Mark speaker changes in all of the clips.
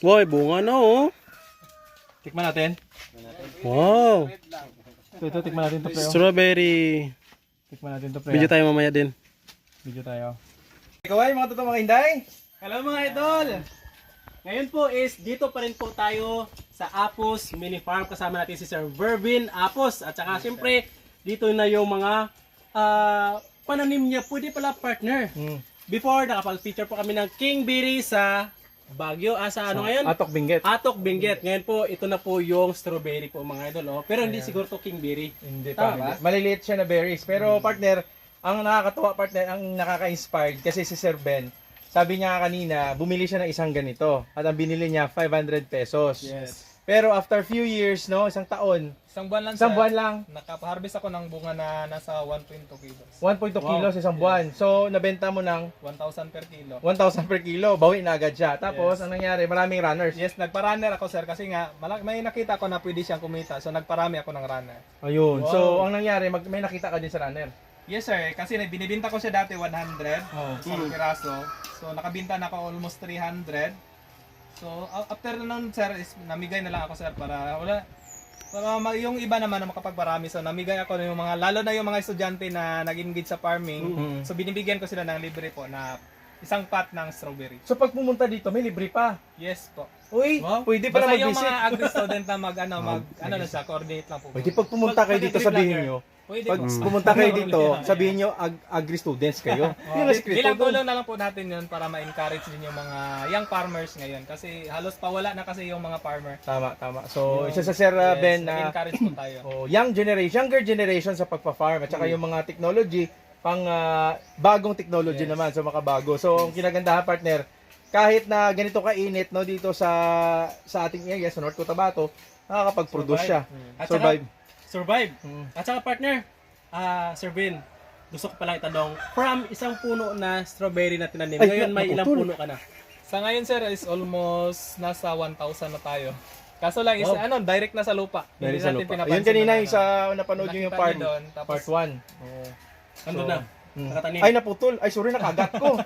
Speaker 1: Boy, bunga na oh.
Speaker 2: Tikman natin.
Speaker 1: Wow.
Speaker 2: Ito, tikman natin to pre.
Speaker 1: Strawberry.
Speaker 2: Tikman natin to pre.
Speaker 1: Video tayo mamaya din.
Speaker 2: Video tayo. Ikaw ay mga totoo mga hinday.
Speaker 3: Hello mga idol! Ngayon po is dito pa rin po tayo sa Apos Mini Farm. Kasama natin si Sir Vervin Apos. At saka siyempre dito na yung mga pananim niya. Pwede pala partner. Before nakapag-feature po kami ng King Berry sa Baguio. Sa ano ngayon?
Speaker 2: Atok Benguet.
Speaker 3: Atok Benguet. Ngayon po ito na po yung strawberry po mga idol. Oh. Pero hindi siguro to King Berry.
Speaker 2: Hindi
Speaker 3: Tama
Speaker 2: pa.
Speaker 3: ba?
Speaker 2: Maliliit siya na berries. Pero partner, ang nakakatuwa partner, ang nakaka-inspired kasi si Sir Ben, sabi niya kanina, bumili siya ng isang ganito at ang binili niya 500 pesos.
Speaker 3: Yes.
Speaker 2: Pero after few years, no, isang taon,
Speaker 4: Isang buwan lang
Speaker 2: isang
Speaker 4: sir.
Speaker 2: buwan lang,
Speaker 4: Nakaharvest ako ng bunga na nasa 1.2 kilos.
Speaker 2: 1.2 kilos isang buwan. So, nabenta mo ng
Speaker 4: 1,000 per kilo.
Speaker 2: 1,000 per kilo, bawi na agad siya. Tapos, ang nangyari, maraming runners.
Speaker 4: Yes, nagpa-runner ako sir kasi nga may nakita ko na pwede siyang kumita. So nagparami ako ng runner.
Speaker 2: Ayun.
Speaker 3: Wow.
Speaker 2: So, ang nangyari, may nakita ka din sa runner.
Speaker 4: Yes sir, kasi binibinta ko siya dati 100 isang piraso. So nakabinta na ako almost 300. So after nun sir, is namigay na lang ako sir para yung iba naman na makapagparami. So namigay ako ng mga, lalo na yung mga estudyante na nag-engage sa farming. So binibigyan ko sila ng libre po na isang pot ng strawberry.
Speaker 2: So, pag pumunta dito, may libre pa.
Speaker 4: Yes po.
Speaker 2: Uy,
Speaker 3: Wow.
Speaker 2: pwede pa
Speaker 4: Basta
Speaker 2: na
Speaker 4: yung
Speaker 2: mag-visit.
Speaker 4: mga agri-student na ano na siya, coordinate lang po.
Speaker 2: Pwede pag pumunta kayo dito, sabihin nyo.
Speaker 4: Pwede
Speaker 2: Pag
Speaker 4: po.
Speaker 2: pumunta kayo dito, sabihin nyo, agri-students kayo. Yun ang sekreto
Speaker 4: Bilang
Speaker 2: doon.
Speaker 4: tulong na lang po natin yun para ma-encourage din yung mga young farmers ngayon. Kasi halos pawala na kasi yung mga farmer.
Speaker 2: Tama, tama. So, isa sa Sir Ben na
Speaker 4: encourage po tayo.
Speaker 2: younger generation sa pagpa-farm at saka yung mga technology, pang bagong technology naman, so makabago. So, ang kinagandahan partner, kahit na ganito kainit no dito sa ating area sa North Cotabato, nakakapag-produce siya.
Speaker 3: At
Speaker 2: Survive.
Speaker 3: Survive. At saka partner, Sir Vin, gusto ko palang itanong, from isang puno na strawberry na tinanim,
Speaker 2: Ay,
Speaker 3: ngayon may ilang
Speaker 2: naputol.
Speaker 3: puno ka na?
Speaker 4: Sa ngayon sir is almost nasa 1,000 na tayo. Kaso lang is direct na sa lupa.
Speaker 2: Dahil
Speaker 4: Hindi
Speaker 2: sa
Speaker 4: natin
Speaker 2: lupa.
Speaker 4: pinapansin
Speaker 2: Ayun kanina
Speaker 4: na
Speaker 2: yung sa napanood nyo yung
Speaker 4: nakita
Speaker 2: part
Speaker 4: niyo doon, tapos
Speaker 2: part 1.
Speaker 3: Nandun na, nakatanim.
Speaker 2: Ay naputol. Ay sorry nakagat ko.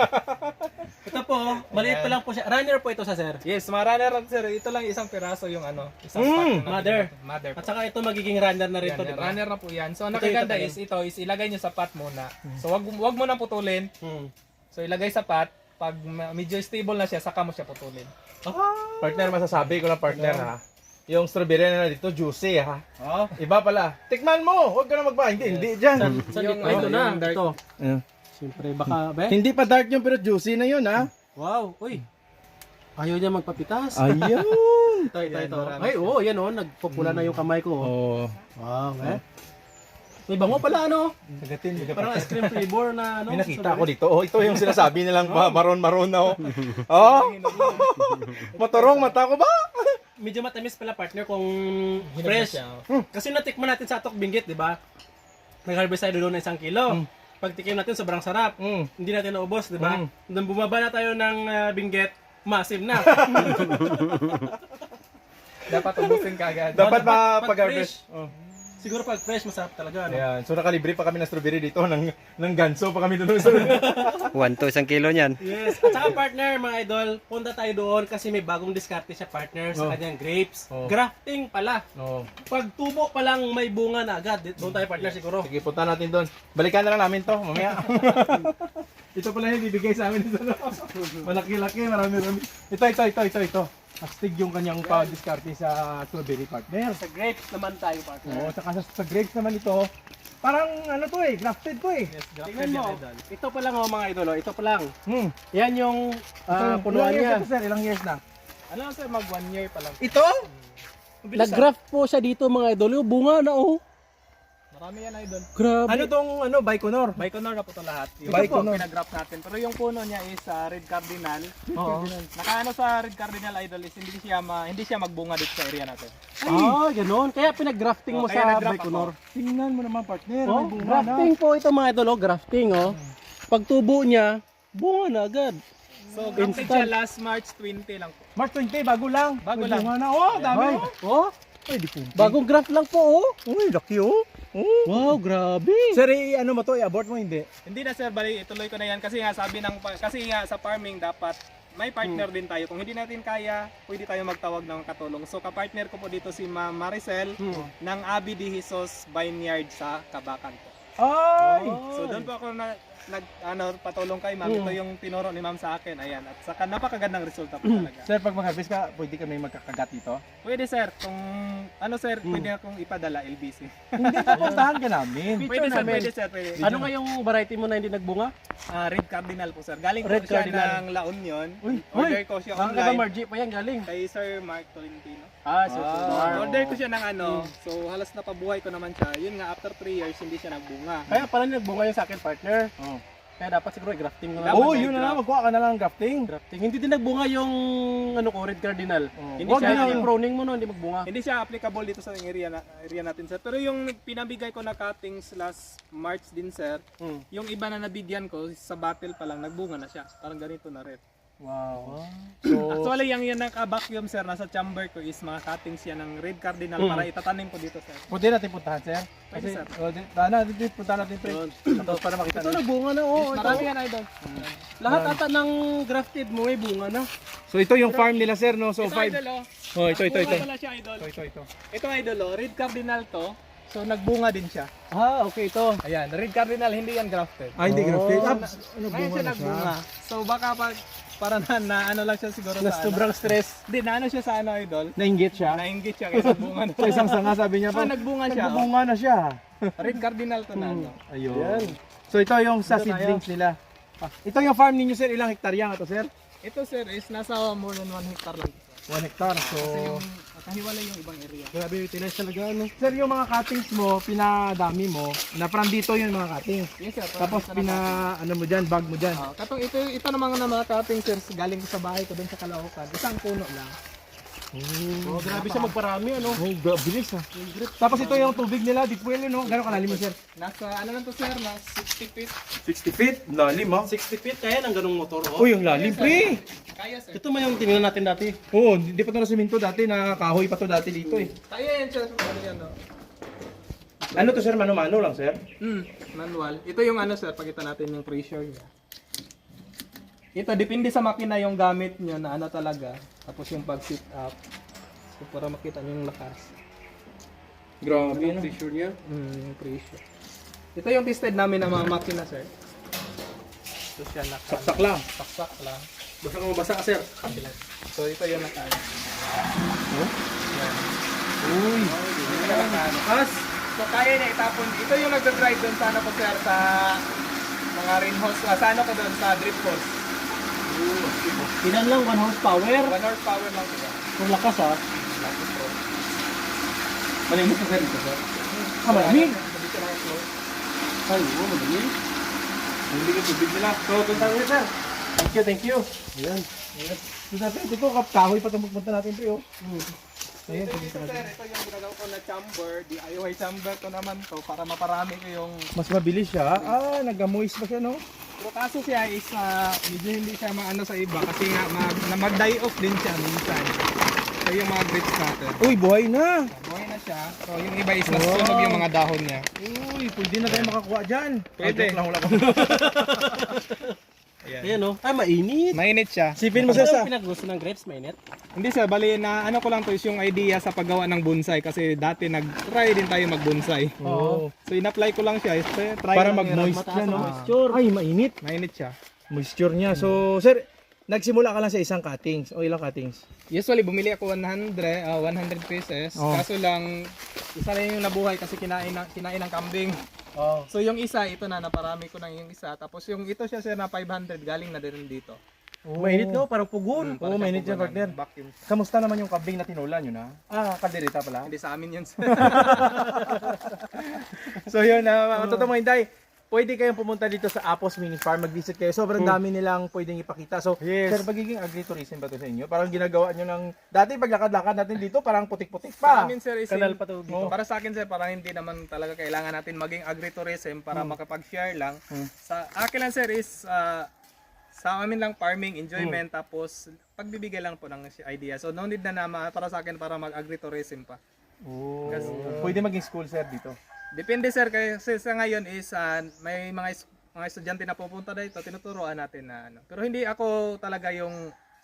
Speaker 3: Ito po, maliit pa lang po siya. Runner po ito sa sir.
Speaker 4: Yes, mga runner sir, ito lang isang piraso yung isang pot na
Speaker 3: Mother.
Speaker 4: Mother.
Speaker 3: At saka ito magiging runner na rin to,
Speaker 4: Yan,
Speaker 3: di ba?
Speaker 4: runner na po yan. So, ang
Speaker 3: Ito
Speaker 4: nakaganda
Speaker 3: yung
Speaker 4: is ilagay nyo sa pot muna. So, wag mo nang putulin.
Speaker 3: Hmm.
Speaker 4: So, ilagay sa pot. Pag medyo stable na siya, saka mo siya putulin.
Speaker 2: Partner, masasabi ko lang partner ha. Yung strawberry na dito, juicy ha. Iba pala. Tikman mo! Huwag ka na magba. Hindi dyan.
Speaker 3: Sa
Speaker 4: Yung,
Speaker 3: ito na,
Speaker 4: yung dark.
Speaker 3: ito.
Speaker 2: Ayan.
Speaker 3: Siyempre, baka, be?
Speaker 2: Hindi pa dark yun, pero juicy na yun ha.
Speaker 3: Wow, uy. Ayaw niya magpapitas.
Speaker 2: Ayun!
Speaker 3: Ito.
Speaker 4: marami
Speaker 3: Ay, oo, yan oh, nagpupula na yung kamay ko. Oh.
Speaker 2: Oh.
Speaker 3: Wow, eh. May bango pala, ano?
Speaker 2: Sagatin.
Speaker 3: Parang ice cream flavor na, ano?
Speaker 2: May nakita ako dito. Oh, ito yung sinasabi nilang maroon-maroon na oh. Oh! Maturong mata ko ba?
Speaker 3: Medyo matamis pala, partner, kung
Speaker 4: Hinog na
Speaker 3: fresh.
Speaker 4: siya.
Speaker 3: Kasi natikman natin sa Atok Benguet, di ba? Nag-harvest tayo doon ng 1 kilo. Pag tikim natin, sobrang sarap. Hindi natin naubos, di ba? Nung bumaba na tayo ng Benguet, massive na.
Speaker 4: Dapat ubusin ka agad.
Speaker 2: Dapat
Speaker 3: Pag
Speaker 2: mapag-harvest.
Speaker 3: fresh. Siguro pag fresh, masarap talaga, ano?
Speaker 2: Ayan. So nakalibre pa kami ng strawberry dito ng ganso pa kami doon sa
Speaker 1: 1 to 1 kilo niyan.
Speaker 3: Yes. At saka partner, mga idol, punta tayo doon kasi may bagong diskarte siya, partner, sa kanyang grapes. Grafting pala.
Speaker 2: Oh.
Speaker 3: Pag tubo pa lang may bunga na agad. Doon tayo, partner, siguro.
Speaker 2: Sige, punta natin doon. Balikan na lang namin to mamaya. Ito pala yung bibigay sa amin dito. Malaki-laki, marami-rami. Ito. Astig yung kanyang pa-discarte sa strawberry partner.
Speaker 3: Sa grapes naman tayo, partner.
Speaker 2: Oo, saka sa grapes naman ito, parang ano to eh, grafted to eh.
Speaker 4: Yes,
Speaker 3: Tingnan mo, ito pa lang mga idol, ito pa lang.
Speaker 2: Hmm.
Speaker 3: Yan yung punuan
Speaker 2: Ilang years
Speaker 3: niya.
Speaker 2: na to, sir? Ilang years na?
Speaker 4: Ano sir, mag 1 year pa lang.
Speaker 2: Ito?
Speaker 3: Nag-graft po siya dito mga idol. Yung bunga na oh.
Speaker 4: Marami yan idol.
Speaker 3: Grabe.
Speaker 2: Ano tong Baikonur?
Speaker 4: Baikonur na po ito lahat. Yung
Speaker 2: Baikonur.
Speaker 4: pinagraph natin. Pero yung puno niya is red cardinal.
Speaker 2: Oo.
Speaker 4: Nakaano sa red cardinal idol is hindi siya magbunga dito sa area natin.
Speaker 3: Ah, ganoon. Kaya pinag-grafting mo
Speaker 4: Kaya
Speaker 3: sa
Speaker 4: nag-graft
Speaker 3: Baikonur.
Speaker 2: Tingnan mo naman partner,
Speaker 3: Oh,
Speaker 2: may bunga na.
Speaker 3: grafting po ito mga idol, oh. Grafting oh. Pag tubo niya, bunga na agad.
Speaker 4: So, grafted siya last March 20 lang po.
Speaker 2: March 20, bago lang.
Speaker 4: Bago
Speaker 2: May
Speaker 4: lang.
Speaker 2: bunga na. Oh, dami
Speaker 3: Ay,
Speaker 2: oh.
Speaker 3: oh.
Speaker 2: Ay, di po.
Speaker 3: Bagong graft lang po oh.
Speaker 2: Uy, laki oh.
Speaker 3: Wow, grabe.
Speaker 2: Sir, ano mo to? I-abort mo hindi?
Speaker 4: Hindi na sir, bali ituloy ko na yan kasi nga sabi ng kasi nga sa farming dapat may partner din tayo. Kung hindi natin kaya, pwede tayo magtawag ng katulong. So kapartner ko po dito si Ma'am Maricel ng Abi de Jesus Vineyard sa Kabakan po.
Speaker 2: Ay!
Speaker 4: So doon po ako patulong kay Ma'am. Ito yung tinuro ni Ma'am sa akin. Ayan. At saka napakagandang resulta po talaga.
Speaker 2: Sir, pag mag-harvest ka, pwede kami magkakagat dito?
Speaker 4: Pwede sir, kung sir, pwede akong ipadala LBC.
Speaker 2: Hindi, pupuntahan ka namin.
Speaker 4: Pwede sir, pwede sir, pwede.
Speaker 3: Ano nga yung variety mo na hindi nagbunga?
Speaker 4: Red Cardinal po sir. Galing po
Speaker 3: Red
Speaker 4: siya
Speaker 3: Cardinal.
Speaker 4: ng La Union.
Speaker 2: Uy,
Speaker 4: Order ko siya
Speaker 3: Mga
Speaker 4: online
Speaker 3: Margie pa yan galing.
Speaker 4: kay Sir Mark Tolentino.
Speaker 3: So,
Speaker 4: Order ko siya ng so halos napabuhay ko naman siya. Yun nga, after 3 years, hindi siya nagbunga.
Speaker 3: Kaya pala nagbunga yung sa akin partner.
Speaker 2: Oh.
Speaker 3: Kaya dapat siguro i-grafting mo na.
Speaker 4: Dapat
Speaker 2: Oo,
Speaker 4: may
Speaker 2: yun na
Speaker 4: graft.
Speaker 2: lang. Magkuha ka na lang ng grafting.
Speaker 3: Grafting. Hindi din nagbunga yung Red Cardinal.
Speaker 2: Oh.
Speaker 3: Hindi
Speaker 2: Wag
Speaker 3: siya,
Speaker 2: na lang.
Speaker 3: yung proning mo no, hindi magbunga.
Speaker 4: Hindi siya applicable dito sa area natin sir. Pero yung pinabigay ko na cuttings last March din sir, yung iba na nabigyan ko sa battle pa lang, nagbunga na siya. Parang ganito na rin.
Speaker 2: Wow. So,
Speaker 4: Actually, yung yan naka-vacuum sir, nasa chamber ko is mga cuttings yan ng Red Cardinal para itatanim ko dito sir.
Speaker 2: pwede natin puntahan, sir?
Speaker 4: Pwede, sir.
Speaker 2: Puntahan natin ito. Para makita
Speaker 3: Ito
Speaker 2: natin.
Speaker 3: nagbunga na, oh.
Speaker 4: Marami yan idol.
Speaker 3: Lahat ata ng grafted mo may bunga na.
Speaker 2: So, ito yung farm nila, sir, no? So,
Speaker 4: Ito idol oh.
Speaker 2: Oh, ito.
Speaker 4: Bunga pala siya idol.
Speaker 2: Ito.
Speaker 4: Ito idol oh, Red Cardinal to. So nagbunga din siya.
Speaker 3: Okay ito.
Speaker 4: Ayan, Red Cardinal hindi yan grafted.
Speaker 2: Ah, hindi grafted.
Speaker 4: Ngayon siya nagbunga. So baka para na ano lang siya siguro
Speaker 3: Na
Speaker 4: sa
Speaker 3: sobrang stress.
Speaker 4: Hindi, na ano siya sa ano idol.
Speaker 2: Nainggit siya.
Speaker 4: Nainggit siya kaysa bunga na.
Speaker 2: Sa isang sanga, sabi niya pa.
Speaker 4: nagbunga siya. Oh.
Speaker 2: Nagbunga na siya.
Speaker 4: Red Cardinal to na ano.
Speaker 2: Ayun. So, ito yung sa seedlings nila. Ito yung farm ninyo, sir. Ilang hektarya nga to, sir?
Speaker 4: Ito sir is nasa more than 1 hectare lang.
Speaker 2: 1 hectare. So,
Speaker 4: Kasi yung kahiwalay yung ibang area.
Speaker 3: Grabe yung tinas talaga ano.
Speaker 2: sir, yung mga cuttings mo, pinadami mo, na from dito yung mga cuttings.
Speaker 4: Yes sir.
Speaker 2: Tapos ano mo dyan, bag mo dyan.
Speaker 4: Katong ito naman na mga cutting sir galing ko sa bahay ko doon sa Caloocan. Isang puno lang.
Speaker 3: Oh, grabe siya magparami ano.
Speaker 2: Oh, bilis ha. Tapos ito yung tubig nila, deep well, no? Gano'ng kalalim mo, sir?
Speaker 4: Nasa ano lang to sir, na 60 feet.
Speaker 2: 60 feet? Lalim ha?
Speaker 3: 60 feet kaya ng ganung motor oh.
Speaker 2: Uy, yung lalim, pre!
Speaker 4: Kaya sir.
Speaker 3: Ito man yung tinignan natin dati.
Speaker 2: Oo, hindi pa ito na siminto dati, na kahoy pa to dati dito eh.
Speaker 4: Kaya yan sir. Ano yan no?
Speaker 2: Ano to, sir? Mano-mano lang, sir?
Speaker 4: Manual. Ito yung ano sir, pakita natin yung pressure niya. Ito, depende sa makina yung gamit nyo na ano talaga. Tapos yung pag-sit up. So, para makita nyo yung lakas.
Speaker 2: Grabe, no?
Speaker 3: Pressure niya.
Speaker 4: Yung pressure. Ito yung tested namin ng mga makina sir. Ito siya
Speaker 2: Saksak lang.
Speaker 4: saksak lang.
Speaker 3: Basta kung mabasa ka sir.
Speaker 4: So ito yung nakaano.
Speaker 2: Uy!
Speaker 4: Tapos, so kaya niya itapon. Ito yung nagdadrive doon sa ano ko sir sa mga rain hose. Sa ano ko doon sa drip hose.
Speaker 3: Ilan lang 1 horsepower.
Speaker 4: 1 horsepower lang sila.
Speaker 3: Kung lakas ha.
Speaker 2: Malimit na, sir, ito, sir. Ah, malamig!
Speaker 3: Ay, oo, madali.
Speaker 2: Hindi ka tubig nila. So, punta ko, sir.
Speaker 3: Thank you.
Speaker 2: Ayan. So, dati, ito, kahoy pa itong magpunta natin, pre, oh. Ayan,
Speaker 4: Ito
Speaker 2: pumunta
Speaker 4: dito
Speaker 2: natin.
Speaker 4: sir, ito yung ginagawa ko na chamber. DIY chamber ko naman to para maparami ko yung...
Speaker 2: Mas mabilis siya. Ah, nag-moist pa siya, no?
Speaker 4: Pero kaso siya is medyo hindi siya maano sa iba kasi nga mag-die off din siya minsan. So yung mga grits natin.
Speaker 2: Uy, buhay na!
Speaker 4: Buhay na siya. So yung iba is nasusunog yung mga dahon niya.
Speaker 2: Uy, pwede na tayo makakuha dyan.
Speaker 4: Pwede.
Speaker 2: Ah, joke lang, wala ka.
Speaker 3: Ayan oh. Ay, mainit.
Speaker 4: Mainit siya.
Speaker 2: Sipin mo, sir, sa...
Speaker 3: Pinaggusto ng grapes, mainit.
Speaker 4: Hindi sir, bali na ano ko lang to is yung idea sa paggawa ng bonsai kasi dati nag-try din tayo mag-bonsai.
Speaker 2: Oo.
Speaker 4: So in-apply ko lang siya, try
Speaker 2: Para
Speaker 4: lang
Speaker 2: mag-moist
Speaker 3: Mataas
Speaker 2: siya,
Speaker 3: ang
Speaker 2: no?
Speaker 3: moisture.
Speaker 2: Ay, mainit.
Speaker 4: Mainit siya.
Speaker 2: Moisture niya. So, sir, nagsimula ka lang sa isang cuttings. O ilang cuttings?
Speaker 4: Usually bumili ako 100 pieces.
Speaker 2: Oh.
Speaker 4: Kaso lang isa lang yung nabuhay kasi kinain ng kambing.
Speaker 2: Oo.
Speaker 4: So yung isa ito na naparami ko na yung isa. Tapos yung ito siya sir na 500 galing na din dito.
Speaker 2: Mainit no? Parang
Speaker 3: pugon.
Speaker 2: Oo, mainit yan, partner.
Speaker 4: Vacuum.
Speaker 2: Kamusta naman yung kambing na tinulan yun, ha? Ah, kaldereta pala.
Speaker 4: Hindi sa amin yun sir.
Speaker 2: So yun, mga totoo mga hinday, pwede kayong pumunta dito sa Apos Mini Farm, mag-visit kayo. Sobrang dami nilang pwedeng ipakita. So, sir, magiging agritourism ba to sa inyo? Parang ginagawa nyo ng, dati paglakad-lakad natin dito, parang putik-putik
Speaker 4: Sa
Speaker 2: pa.
Speaker 4: amin sir is
Speaker 3: Kanal pa to dito.
Speaker 4: Para sa akin sir, parang hindi naman talaga kailangan natin maging agritourism para makapag-share lang. Sa akin lang sir is sa amin lang farming, enjoyment, tapos pagbibigay lang po ng idea. So no need na para sa akin para mag-agritourism pa.
Speaker 2: Oh. Pwede maging school, sir, dito.
Speaker 4: Depende sir, kasi sa ngayon is may mga estudyante na pupunta dito, tinuturuan natin na ano. Pero hindi ako talaga yung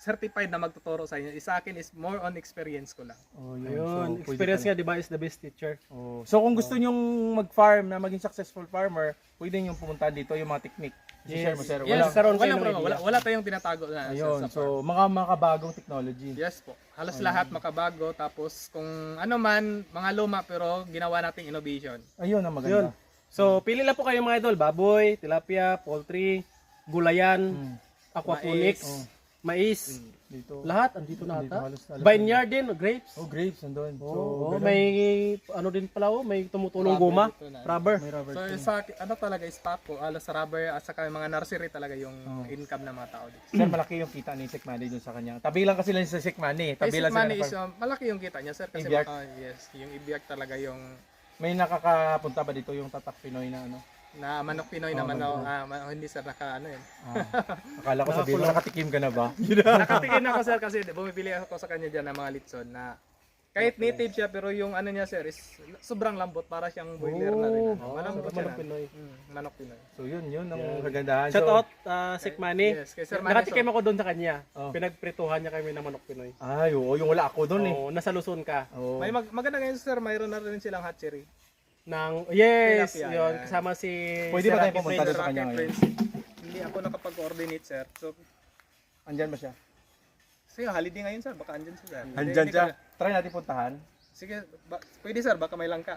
Speaker 4: certified na magtuturo sa inyo. Sa akin is more on experience ko lang.
Speaker 2: Oh,
Speaker 3: Ayun,
Speaker 2: So, pwede
Speaker 3: experience
Speaker 2: pala.
Speaker 3: nga, di ba, is the best teacher.
Speaker 2: Oh. So kung gusto nyong mag-farm na maging successful farmer, pwede nyong pumunta dito yung mga technique. I-share mo, sir.
Speaker 4: Yes,
Speaker 3: Karoon kayo ng
Speaker 4: wala,
Speaker 3: idea.
Speaker 4: wala tayong tinatago na
Speaker 2: Ayun,
Speaker 4: sa farm.
Speaker 2: so mga makabagong technology.
Speaker 4: Yes po. Halos lahat makabago. Tapos kung ano man, mga luma pero ginawa nating innovation.
Speaker 2: Ayun ang
Speaker 3: Yun.
Speaker 2: maganda.
Speaker 3: So, pili lang po kayo mga idol. Baboy, tilapia, poultry, gulayan,
Speaker 2: Hmm.
Speaker 3: aquaponics, mais.
Speaker 2: Dito.
Speaker 3: Lahat, andito na
Speaker 2: Andito
Speaker 3: ata.
Speaker 2: halos
Speaker 3: Vineyard din, grapes.
Speaker 2: Oh, grapes nandun. So,
Speaker 3: Oo,
Speaker 2: ganun.
Speaker 3: may ano din pala, may tumutulong guma,
Speaker 4: dito na.
Speaker 3: rubber.
Speaker 2: May rubber
Speaker 4: So
Speaker 2: tree.
Speaker 4: sa ano talaga stock ko, alas rubber at saka mga nursery talaga yung income ng mga tao dito.
Speaker 2: Sir, malaki yung kita ni Sek Manny dun sa kanya. Tabi lang kasi lang sa Sek Manny. Tabi lang
Speaker 4: Basic
Speaker 2: sila
Speaker 4: money
Speaker 2: ng
Speaker 4: is
Speaker 2: farm.
Speaker 4: malaki yung kita niya sir kasi
Speaker 2: Ibiyak?
Speaker 4: yes, yung ibiyak talaga yung
Speaker 2: May nakakapunta ba dito yung Tatak Pinoy na ano?
Speaker 4: na manok Pinoy na manok, hindi sir naka ano yun.
Speaker 2: Akala ko sabihin mo, nakatikim ka na ba?
Speaker 4: Nakatingin ako sir kasi bumibili ako sa kanya diyan ng mga litson na kahit native siya pero yung ano niya sir is sobrang lambot para siyang boiler na rin. Malambot siya.
Speaker 3: Manok Pinoy.
Speaker 4: Manok Pinoy.
Speaker 2: So yun ang kagandahan.
Speaker 3: Shout
Speaker 2: So,
Speaker 3: out, Sik Manny.
Speaker 4: Yes, kay Sir Manny.
Speaker 3: Nakatikim ako doon sa kanya.
Speaker 2: Oh.
Speaker 3: Pinagprituhan niya kami ng manok Pinoy.
Speaker 2: ay, oo, yung wala ako dun eh.
Speaker 3: Oo, nasa Luzon ka.
Speaker 2: Oo.
Speaker 4: May maganda ngayon sir, mayroon na rin silang hatchery.
Speaker 3: Yes,
Speaker 4: Tilapia,
Speaker 3: yun.
Speaker 4: yan.
Speaker 3: Kasama si
Speaker 2: Pwede
Speaker 3: Sir
Speaker 2: ba tayong
Speaker 3: Rocky
Speaker 2: pumunta
Speaker 3: Prince.
Speaker 2: doon sa kanya
Speaker 4: Rocket
Speaker 2: ngayon?
Speaker 4: Prince. Hindi ako nakapag-coordinate sir. So,
Speaker 2: Andyan ba siya?
Speaker 4: sige, holiday ngayon sir, baka andyan siya sir.
Speaker 2: Andyan
Speaker 4: Hindi
Speaker 2: siya.
Speaker 4: ka-
Speaker 2: Try natin puntahan.
Speaker 4: Sige, pwede sir, baka may langka.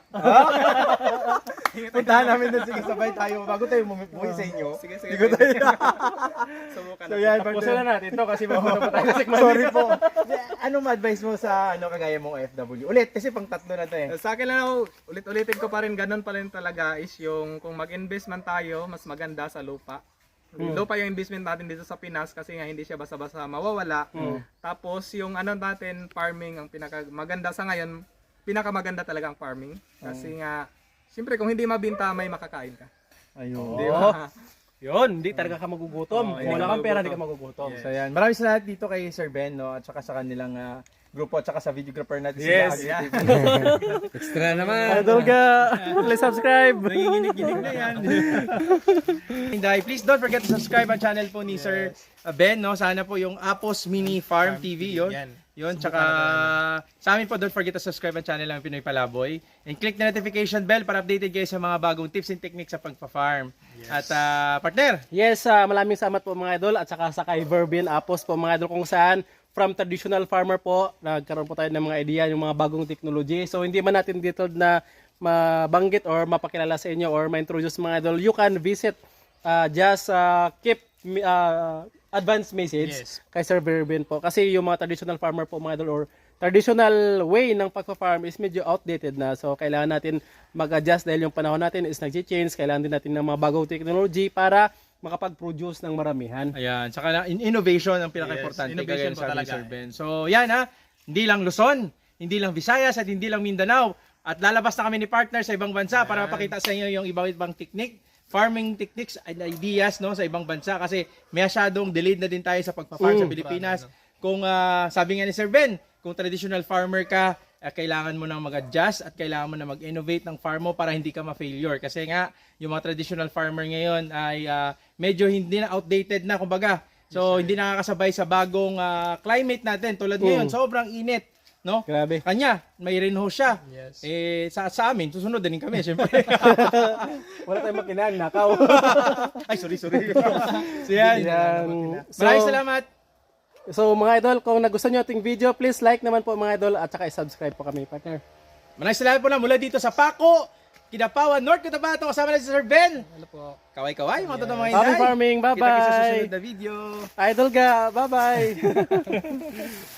Speaker 2: Puntahan namin doon. Sige, sabay tayo. Bago tayo umuwi sa inyo.
Speaker 4: Sige, sige.
Speaker 2: Ligo tayo.
Speaker 4: Subukan
Speaker 2: So
Speaker 4: natin.
Speaker 2: yan,
Speaker 3: Tapusin na natin to kasi mapunta pa tayo sa Sik Manny.
Speaker 2: Sorry po. Anong advice mo sa kagaya mong OFW? Ulit, kasi pang tatlo na to eh.
Speaker 4: Sa akin lang ako, ulit-ulitin ko pa rin, ganun pa rin talaga is yung kung mag-invest man tayo, mas maganda sa lupa. Lupa yung investment natin dito sa Pinas kasi nga hindi siya basta-basta mawawala. Tapos yung ano natin, farming, ang maganda sa ngayon, pinakamaganda talaga ang farming. Kasi nga, siyempre kung hindi mabinta, may makakain ka.
Speaker 2: Ayun.
Speaker 4: Di ba?
Speaker 3: Yun, hindi talaga ka magugutom. Kung wala kang pera, hindi ka magugutom.
Speaker 2: So yan, maraming salamat dito kay Sir Ben, no, at saka sa kanilang grupo, at saka sa videographer natin.
Speaker 3: Yes.
Speaker 2: Si Agi.
Speaker 1: Extra naman.
Speaker 3: Idol ka, please subscribe.
Speaker 2: Nanginginig-ginig na yan. Hinday, please don't forget to subscribe ang channel po ni Sir Ben, no? Sana po yung Apos Mini Farm TV, yun.
Speaker 4: Yan.
Speaker 2: Yun, tsaka sa amin po, don't forget to subscribe ang channel ng Pinoy Palaboy. And click the notification bell para updated kayo sa mga bagong tips and techniques sa pagpa-farm. At partner,
Speaker 3: Yes, maraming salamat po mga idol at saka sa kay Verbin Apos po mga idol kung saan from traditional farmer po, nagkaroon po tayo ng mga idea, yung mga bagong technology. So hindi man natin dito na mabanggit or mapakilala sa inyo or ma-introduce mga idol, you can visit just keep advance message kay Sir Verbin po. Kasi yung mga traditional farmer po mga idol or traditional way ng pagpa-farm is medyo outdated na. So kailangan natin mag-adjust dahil yung panahon natin is nag-change. Kailangan din natin ng mga bagong technology para makapag-produce ng maramihan.
Speaker 2: ayan, tsaka innovation ang pinaka-importante.
Speaker 4: Yes, innovation
Speaker 2: kagaya
Speaker 4: po
Speaker 2: sabi ni
Speaker 4: talaga.
Speaker 2: Sir Ben. So yan hindi lang Luzon, hindi lang Visayas, at hindi lang Mindanao. At lalabas na kami ni partner sa ibang bansa para mapakita sa inyo yung ibang technique, farming techniques and ideas no sa ibang bansa kasi masyadong delayed na din tayo sa pagpa-farm sa Pilipinas. Kung sabi nga ni Sir Ben, kung traditional farmer ka, kailangan mo nang mag-adjust at kailangan mo na mag-innovate ng farm mo para hindi ka ma-failure. Kasi nga, yung mga traditional farmer ngayon ay medyo hindi na outdated na, kumbaga. So, hindi nakakasabay sa bagong climate natin. Tulad ngayon, sobrang init. No?
Speaker 3: Grabe.
Speaker 2: Kanya, may rainhouse siya.
Speaker 4: Yes.
Speaker 2: Sa amin, susunod din kami, syempre.
Speaker 3: Wala tayong makinang, nakaw.
Speaker 2: Ay, sorry. So, yan. Maraming salamat.
Speaker 3: So mga idol, kung nagustuhan nyo ating video, please like naman po mga idol at saka i-subscribe po kami, partner.
Speaker 2: Maraming salamat po na mula dito sa Paco, Kidapawan, North Cotabato. Kasama natin si Sir Ben.
Speaker 4: Ano po?
Speaker 2: Kaway-kaway, mga totoong mga
Speaker 3: Happy
Speaker 2: hinday.
Speaker 3: farming,
Speaker 2: Kita-kita sa
Speaker 3: bye-bye!
Speaker 2: susunod na video.
Speaker 3: Idol ga, bye-bye!